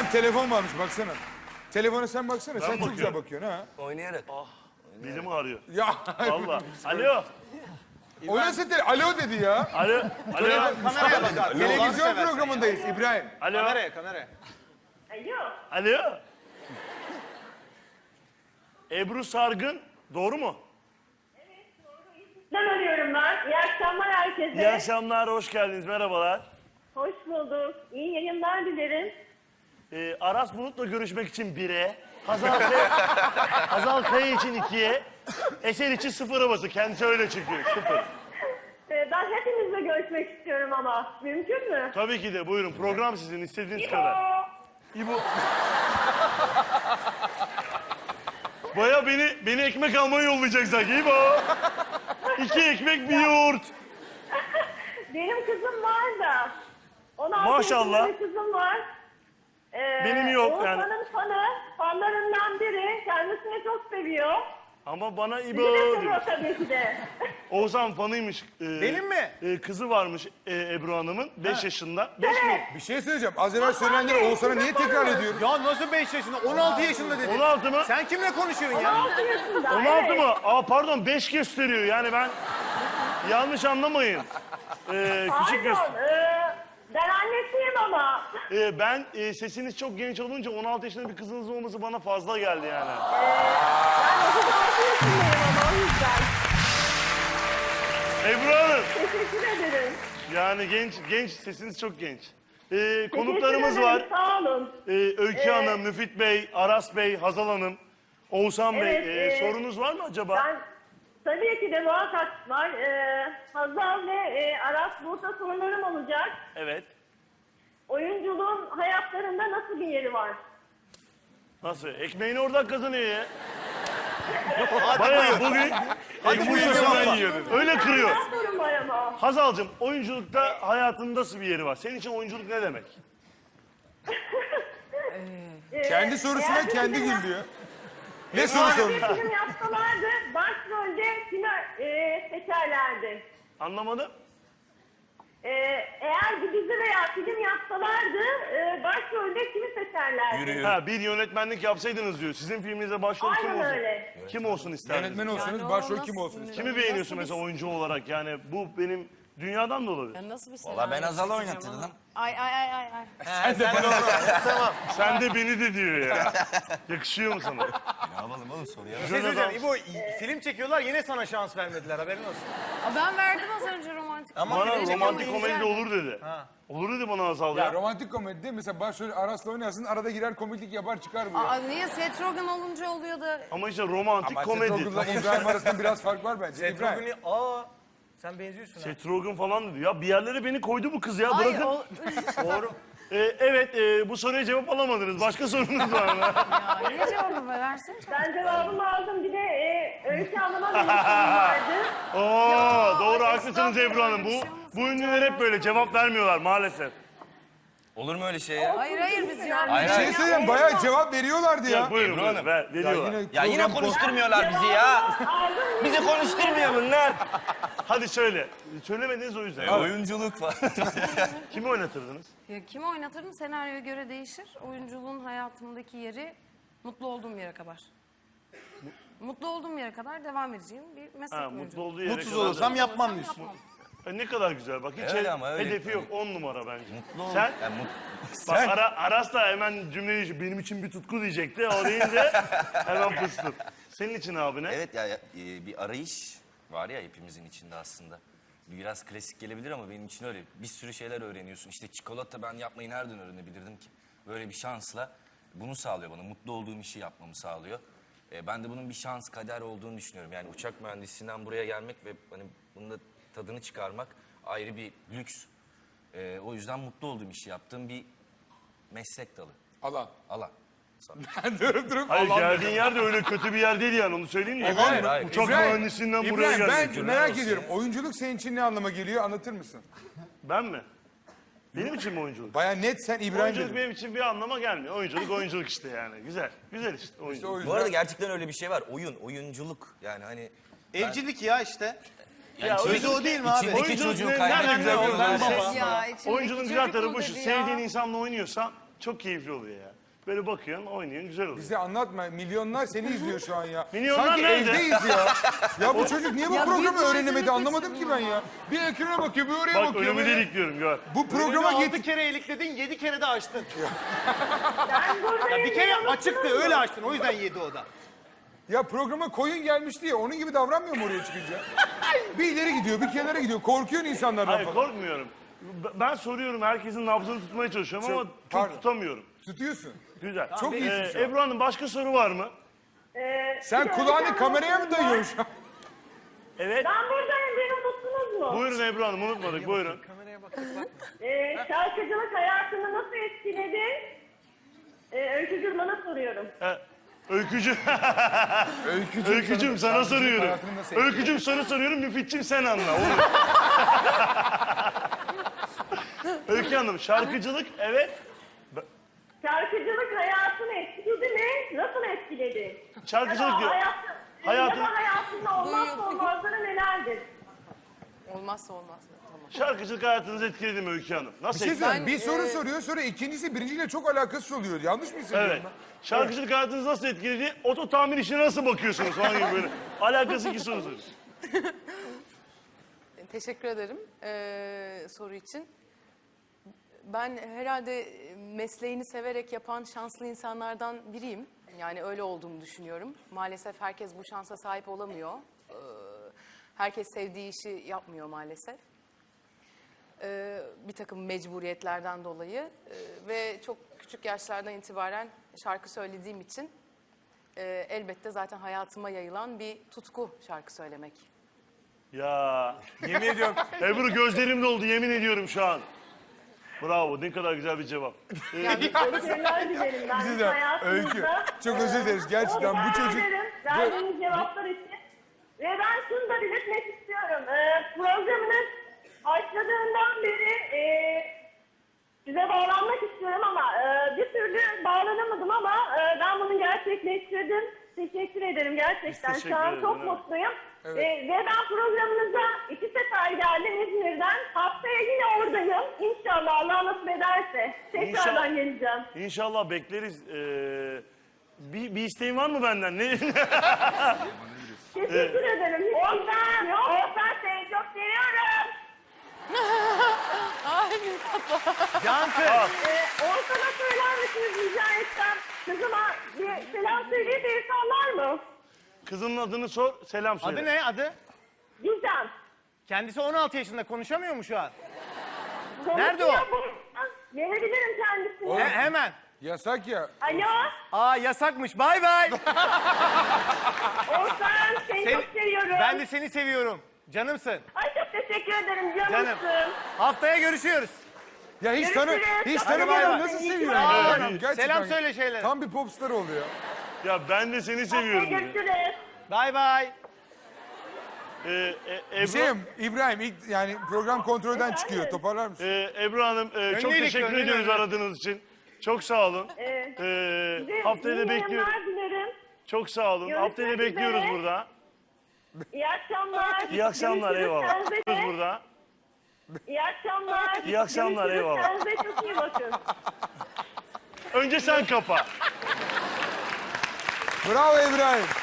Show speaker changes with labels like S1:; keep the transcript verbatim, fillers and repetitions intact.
S1: İbrahim telefon varmış baksana. Telefona sen baksana.
S2: Ben
S1: sen
S2: bakıyorum.
S1: çok güzel bakıyorsun ha.
S3: Oynayarak.
S2: Ah, dilim ağrıyor.
S1: Ya.
S2: Valla. Alo.
S1: O nasıl tele... Alo dedi ya.
S2: Alo. Alo.
S4: Kameraya bak abi.
S1: Televizyon programındayız İbrahim.
S2: Alo.
S4: Kameraya, kameraya.
S5: Alo.
S2: Alo. Ebru Sargın. Doğru mu?
S5: Ben arıyorum ben. İyi akşamlar herkese.
S2: İyi akşamlar. Hoş geldiniz. Merhabalar.
S5: Hoş bulduk. İyi yayınlar dilerim.
S2: Ee, Aras Bulut'la görüşmek için bire. Hazal, Kaya, Hazal Kaya için ikiye. Eser için sıfıra bası. Kendisi öyle çıkıyor. Sıfır.
S5: Ee, ben hepinizle görüşmek istiyorum ama. Mümkün mü?
S2: Tabii ki de. Buyurun. Program sizin. İstediğiniz
S5: İbo.
S2: kadar. İbo. Baya beni beni ekmek almaya yollayacak sanki. İbo. İki ekmek bir yoğurt.
S5: Benim kızım var da. on altı
S2: Maşallah.
S5: yaşında bir kızım var. Ee,
S2: Benim yok yani.
S5: Oğuzhan'ın fanı, fanlarından biri. Kendisini çok seviyor.
S2: Ama bana İbo
S5: Bizi de
S2: diyor.
S5: seviyor tabii ki de.
S2: Oğuzhan fanıymış. Ee,
S4: Benim mi?
S2: e, kızı varmış e, Ebru Hanım'ın. Beş yaşında. Beş mi?
S1: Bir şey söyleyeceğim. Az evvel söylenenleri Oğuzhan'a niye tekrar ediyorum?
S4: Ya nasıl beş yaşında? on altı yaşında dedi.
S2: On altı mı?
S4: Sen kimle konuşuyorsun
S5: on
S4: ya?
S5: altı yaşında.
S2: On altı
S5: evet.
S2: mı? Aa pardon beş gösteriyor. Yani ben yanlış anlamayın. Ee, küçük göster.
S5: Pardon. ee, ben annesiyim ama.
S2: Ee, ben e, sesiniz çok genç olunca on altı yaşında bir kızınız olması bana fazla geldi yani.
S5: Ben otuz altı yaşındayım ama o yüzden.
S2: Ebru Hanım.
S5: Teşekkür ederim.
S2: Yani genç, genç sesiniz çok genç. Ee,
S5: Teşekkür
S2: konuklarımız
S5: ederim,
S2: var.
S5: Sağ olun.
S2: Ee, Öykü
S5: Ee,
S2: Hanım, Müfit Bey, Aras Bey, Hazal Hanım, Oğuzhan
S5: Evet,
S2: Bey. Ee,
S5: e,
S2: sorunuz var mı acaba?
S5: Ben tabii ki de muhakkak var. Ee, Hazal ve e, Aras burada sorularım olacak.
S2: Evet.
S5: Oyunculuğun hayatlarında nasıl bir yeri var?
S2: Nasıl? Ekmeğini oradan kazanıyor ya. Bayağı bugün ekmeğini yiyor. Öyle kırıyor.
S5: Hayat sorun var ama.
S2: Hazal'cığım oyunculukta hayatında nasıl bir yeri var? Senin için oyunculuk ne demek?
S5: Ee,
S1: Kendi sorusuna
S5: eğer bir
S1: kendi
S5: film
S1: gül diyor. Ne soru
S5: yap-
S1: sormuş?
S5: Bir film yapsalardı başrolde kimi e, seçerlerdi?
S2: Anlamadım.
S5: Ee, eğer bir dizi veya film yapsalardı e, başrolde kimi seçerlerdi?
S2: Ha bir yönetmenlik yapsaydınız diyor. Sizin filminize başrol kim
S5: Aynen
S2: olsun?
S5: öyle.
S2: Kim olsun isterdiniz?
S1: Yönetmen olsanız
S6: Yani o
S1: başrol
S6: nasıl-
S1: kim olsun ister?
S2: Kimi beğeniyorsun mesela oyuncu olarak? Yani bu benim dünyadan da olabilir.
S6: Ya nasıl bir senaryo?
S3: Valla ben Hazal'ı
S6: çekeceğim
S3: oynatırdım.
S6: ama? Ay ay ay ay. ay.
S4: Sen de Tamam.
S2: Sen de beni de diyor ya. Yakışıyor mu sana?
S3: Ne yapalım oğlum soruya?
S4: Bir şey söyleyeceğim. İbo film çekiyorlar yine sana şans vermediler haberin olsun.
S6: Aa, ben verdim az önce romantik.
S4: Ama
S2: Bana
S4: film
S2: romantik
S4: çekiyorlar,
S2: komedi de olur dedi.
S4: Ha.
S2: Olur dedi bana Hazal ya.
S1: Ya romantik komedide mesela başrol Aras'la oynarsın arada girer komiklik yapar çıkar bu ya.
S6: Aa, niye Seth Rogen olunca oluyor da...
S2: Ama işte romantik
S1: Ama
S2: komedi.
S1: Seth Rogen'la İbrahim arasında biraz fark var bence.
S4: Seth
S1: İbrahim.
S4: Rogen'i aa sen benziyorsun ha.
S2: Seth Rogen falan dedi. Ya bir yerlere beni koydu bu kız ya.
S6: Ay,
S2: Bırakın.
S6: o...
S4: Doğru.
S2: Ee, evet e, bu soruya cevap alamadınız. Başka sorunuz var mı?
S6: ya, ne cevabı versene?
S5: Ben cevabımı aldım. Bir de e, Öykü Hanım'a bir sorum vardı.
S2: Oo, doğru
S6: ay,
S2: haklısınız Ebru Hanım. Bu,
S6: estağfurullah, bir
S2: bu
S6: şey olmasın.
S2: ünlüler hep böyle cevap vermiyorlar maalesef.
S3: Olur mu öyle şey ya?
S6: Hayır hayır biz cevap
S3: Hayır,
S1: Bir şey söyleyeyim bayağı cevap veriyorlardı
S2: Ya,
S1: ya.
S2: buyurun
S3: Ebru
S2: buyurun.
S3: Hanım.
S2: Ver, veriyorlar.
S3: Ya yine
S1: program-
S3: konuşturmuyorlar bizi ya.
S5: Aldım.
S3: Bizi konuşturmuyor bunlar.
S2: Hadi söyle. Söylemediniz o yüzden.
S3: E, oyunculuk falan.
S2: Kimi oynatırdınız?
S6: Ya, kimi oynatırım senaryoya göre değişir. Oyunculuğun hayatımdaki yeri mutlu olduğum yere kadar. Mutlu olduğum yere kadar devam edeceğim bir meslek
S2: Ha,
S6: oyunculuğu.
S2: mutlu olduğu yere
S4: Mutsuz
S2: kadar
S4: olursam
S2: da-
S4: yapmam diyorsun.
S6: Yapmam.
S2: E, ne kadar güzel bak. Hiç
S3: Öyle
S2: he-
S3: ama öyle.
S2: hedefi yok. On numara bence.
S3: Mutlu ol.
S2: Sen?
S3: Ya, mut...
S2: Bak
S3: Sen?
S2: Ara, Aras da hemen cümleyi benim için bir tutku diyecekti. O deyince hemen fıstım. Senin için abi ne?
S3: Evet ya, ya e, bir arayış var ya hepimizin içinde aslında. Biraz klasik gelebilir ama benim için öyle. Bir sürü şeyler öğreniyorsun. İşte çikolata ben yapmayı nereden öğrenebilirdim ki? Böyle bir şansla bunu sağlıyor bana. Mutlu olduğum işi yapmamı sağlıyor. E, ben de bunun bir şans, kader olduğunu düşünüyorum. Yani uçak mühendisliğinden buraya gelmek ve hani bunun da tadını çıkarmak ayrı bir lüks. E, o yüzden mutlu olduğum işi yaptığım bir meslek dalı.
S1: Alan.
S3: Alan.
S1: Ben durup durup
S2: Hayır
S1: Alan.
S2: geldiğin yer de öyle kötü bir yer değil yani onu söyleyeyim mi?
S3: Hayır, hayır.
S2: Uçak
S1: İbrahim,
S2: mühendisinden buraya
S1: İbrahim
S2: geldik.
S1: ben merak ediyorum. Oyunculuk senin için ne anlama geliyor anlatır mısın?
S2: Ben mi? Benim için mi oyunculuk?
S1: Baya net sen İbrahim
S2: Oyunculuk
S1: dedin.
S2: benim için bir anlama gelmiyor. Oyunculuk oyunculuk işte yani. Güzel. Güzel işte oyunculuk.
S1: İşte o
S3: Bu
S1: yüzden.
S3: arada gerçekten öyle bir şey var. Oyun, oyunculuk. Yani hani
S4: Evcilik ya işte.
S2: Ya
S4: Sözü o değil mi abi?
S3: İçindeki
S2: Oyunculuk
S3: çocuğu
S2: ne-
S3: kaybeden
S2: nerede güzel
S3: bir
S2: bir
S3: oyuncu.
S2: şey?
S6: Ya, içindeki
S2: Oyunculuğun güzel
S6: çocuk
S2: tarafı
S6: mu
S2: şu.
S6: dedi ya?
S2: Sevdiğin insanla oynuyorsan Çok keyifli oluyor ya. Böyle bakıyorsun, oynuyorsun, güzel oluyor.
S1: Bize anlatma. Milyonlar seni izliyor şu an ya.
S2: Milyonlar
S1: Sanki
S2: nerede?
S1: evdeyiz ya. Ya bu çocuk niye bu
S6: Ya
S1: programı
S6: bir
S1: öğrenemedi
S6: malzeme
S1: anlamadım ki ben ya. Bir ekrana bakıyor, bir oraya
S2: Bak
S1: bakıyor.
S2: önümü
S1: böyle.
S2: delikliyorum gör.
S1: Bu programa
S4: Altı
S1: git.
S4: kere elikledin, yedi kere de açtın.
S5: Ben buradayım.
S4: Ya bir kere
S5: diyor
S4: açıktı,
S5: musunuz?
S4: öyle açtın. O yüzden yedi o da.
S1: Ya programa koyun gelmiş diye onun gibi davranmıyor mu oraya çıkınca? Bir ileri gidiyor, bir kenara gidiyor. Korkuyorsun insanlardan
S2: Hayır
S1: falan.
S2: korkmuyorum. B- Ben soruyorum, herkesin nabzını tutmaya çalışıyorum
S1: Çok-
S2: ama çok
S1: pardon.
S2: tutamıyorum.
S1: Tutuyorsun.
S2: Güzel.
S1: Çok iyisin şu an.
S2: Ebru Hanım başka soru var mı?
S5: Ee,
S1: Sen
S5: bir de
S1: kulağını
S5: hocam
S1: kameraya mı
S5: unuttunuz
S1: dayıyorsun şu an?
S2: Evet.
S5: Ben buradayım, beni unuttunuz mu?
S2: Buyurun Ebru Hanım, unutmadık. Buyurun.
S5: Ee, şarkıcılık hayatını nasıl etkiledi? Ee, Öykü Gürman'a soruyorum.
S2: Ha, Öykücüm.
S1: Öykücüm,
S2: Öykücüm sana
S1: şarkıcılık
S2: soruyorum.
S1: hayatını nasıl etkiledi?
S2: Öykücüm sana soruyorum, Müfitçim sen anla. Olur. Öykü Hanım, şarkıcılık evet.
S5: Şarkıcılık hayatını etkiledi mi? Nasıl etkiledi?
S2: Şarkıcılık
S5: Ya da
S2: diyor.
S5: hayatı,
S2: Hayatın-
S5: ya da hayatında olmazsa olmazları nelerdir?
S6: Olmazsa olmaz. Tamam.
S2: Şarkıcılık hayatınızı etkiledi mi Öykü Hanım?
S1: Bir
S2: Nasıl
S1: şey
S2: etkiledi?
S1: söyleyeyim. Bir soru soruyor sonra ikincisi birinciyle çok alakasız oluyor. Yanlış mı hissediyorum
S2: Evet.
S1: ben?
S2: Şarkıcılık hayatınızı nasıl etkiledi? Oto tamir işine nasıl bakıyorsunuz falan gibi böyle. Alakası iki soru soruyor.
S7: Teşekkür ederim eee, soru için. Ben herhalde mesleğini severek yapan şanslı insanlardan biriyim. Yani öyle olduğumu düşünüyorum. Maalesef herkes bu şansa sahip olamıyor. Eee, herkes sevdiği işi yapmıyor maalesef. Eee, bir takım mecburiyetlerden dolayı Eee, ve çok küçük yaşlardan itibaren şarkı söylediğim için eee, elbette zaten hayatıma yayılan bir tutku şarkı söylemek.
S2: Ya yemin ediyorum Ebru gözlerim doldu yemin ediyorum şu an. Bravo ne kadar güzel bir cevap.
S5: Başarılar dilerim ben
S1: Bize de
S5: hayatınızda.
S1: Öykü. Çok özür dileriz. Gerçekten bu
S5: Teşekkür
S1: çocuk...
S5: ederim verdiğiniz cevaplar için. Ve ben şunu da belirtmek istiyorum. Ee, programınız başladığından beri e, size bağlanmak istiyorum ama e, bir türlü bağlanamadım ama e, ben bunu gerçekleştirdim. Teşekkür ederim gerçekten.
S2: teşekkür
S5: Şu an
S2: ederiz,
S5: çok
S2: evet.
S5: mutluyum.
S1: Evet.
S5: E, ve ben programınıza iki sefer geldim İzmir'den. Haftaya yine oradayım. İnşallah Allah nasip ederse. Tekrardan
S2: İnşallah.
S5: geleceğim.
S2: İnşallah bekleriz. Ee, bir, bir isteğin var mı benden? Ne?
S5: Teşekkür ederim. Oğuzhan, Oğuzhan seni çok seviyorum.
S4: Cansın.
S5: Ee, Oğuzhan'a söyler misiniz rica etsem? Kızıma bir selam söyleyip bir sallar mı?
S2: Kızının adını sor, selam söyle.
S4: Adı ne adı?
S5: Gizem.
S4: Kendisi on altı yaşında, konuşamıyor mu şu an?
S5: Konuşuyor
S4: Nerede o?
S5: bu. Verebilirim kendisine.
S4: He- hemen.
S1: Yasak ya.
S5: Alo,
S4: Aa yasakmış, bay bay.
S5: Oğuzhan seni
S4: Seni-
S5: çok seviyorum.
S4: Ben de seni seviyorum. Canımsın.
S5: Ay çok teşekkür ederim
S4: Canım.
S5: canımsın.
S4: Haftaya görüşüyoruz.
S1: Ya hiç tanı
S5: Görüşürüz.
S1: hiç
S5: Hadi
S1: tanımadan
S4: bay bay.
S1: nasıl
S5: İyi ki
S1: seviyorum
S5: varsın.
S1: ya?
S2: Evet.
S1: Gerçekten.
S4: Selam söyle şeylere.
S1: Tam bir popstar oluyor.
S2: Ya ben de seni
S5: Haftaya
S2: seviyorum. diyor.
S5: görüşürüz.
S4: Bay bay.
S2: Ee, e,
S1: Bir
S2: Ebru,
S1: şeyim İbrahim ilk yani program kontrolden çıkıyor. Toparlar mısın?
S2: e, Ebru Hanım e, çok
S4: Önlüydük,
S2: teşekkür
S4: önlüydük.
S2: ediyoruz aradığınız için. Çok sağ olun.
S5: Evet.
S2: Ee,
S5: Size
S2: haftaya da
S5: iyi
S2: bekliyoruz.
S5: yayınlar dilerim.
S2: Çok sağ olun.
S5: Görüşmek
S2: Haftaya da bekliyoruz
S5: üzere.
S2: burada.
S5: İyi akşamlar.
S2: İyi akşamlar
S5: Görüşürüz.
S2: eyvallah.
S5: Kendinize-
S2: Bekliyoruz burada.
S5: İyi akşamlar.
S2: İyi akşamlar,
S5: Görüşürüz.
S2: eyvallah.
S5: Kendinize çok iyi bakın.
S2: Önce sen kapa.
S1: Bravo İbrahim.